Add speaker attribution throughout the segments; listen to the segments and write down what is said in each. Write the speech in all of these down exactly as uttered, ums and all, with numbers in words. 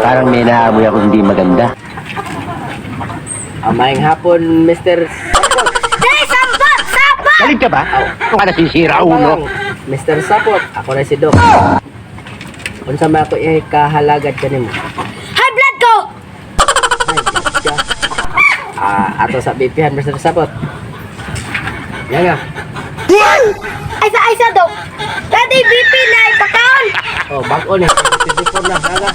Speaker 1: Parang may naamoy ako hindi maganda.
Speaker 2: Ah, maayong hapon, Mister Sapot.
Speaker 3: Dali, sampot! Sampot!
Speaker 1: Galit ka ba? Ang ka nasisira, ulo.
Speaker 2: Mister Sapot, ako na si Doc. Unsa man ako eh, kahalagad ka nimo.
Speaker 3: High blood ko!
Speaker 2: Ay, gotcha. Ah, ato sa B P-han, Mister Sapot. Yan nga.
Speaker 3: Ay sa, ay sa, Dok. Dati B P na ipakaon.
Speaker 2: Oh, bago ni. twenty-four na, kaga.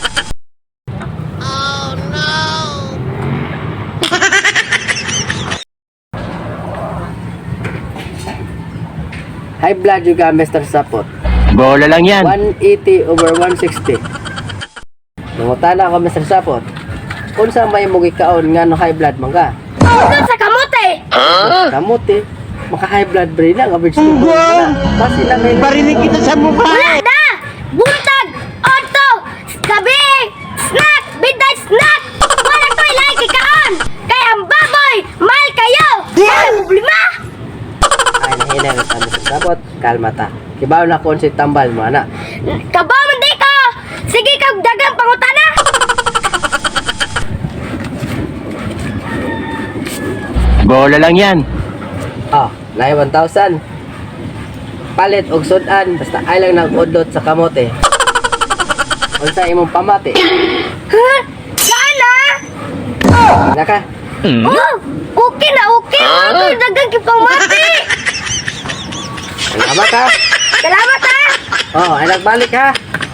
Speaker 2: High blood juga, Mister Sapot.
Speaker 1: Bola lang yan.
Speaker 2: one eighty over one sixty. Nangutana ako, Mister Sapot. Unsa may mo gikaon nga no high blood man ka?
Speaker 3: Ito sa kamote.
Speaker 2: Kamot eh. Maka high blood brain lang, average to na. Basi lang may
Speaker 1: Barinig kita sa mukha.
Speaker 3: Wala na! Buntag! Otto! Gabi! Snack! Midnight snack! Wala to ilang kikaon! Kaya ang baboy! Mahal kayo! Wala problema!
Speaker 2: ay nahina na sa Mister Sapot. Kalma ta. Kibaw na kon si tambal mo ana.
Speaker 3: Kabaw man di ko! Sige kag dagang pangutana!
Speaker 1: Bola lang yan.
Speaker 2: Ah, nai one thousand. Palit og sudan basta ay lang nag-udlot sa kamote. Unsa imong pamati?
Speaker 3: Ha? Saan na?
Speaker 2: Naka.
Speaker 3: Oh! Okay na okay! Ito dagang kipangmati!
Speaker 2: Salamat ha.
Speaker 3: Salamat ha!
Speaker 2: Oh, ay nagbalik ha.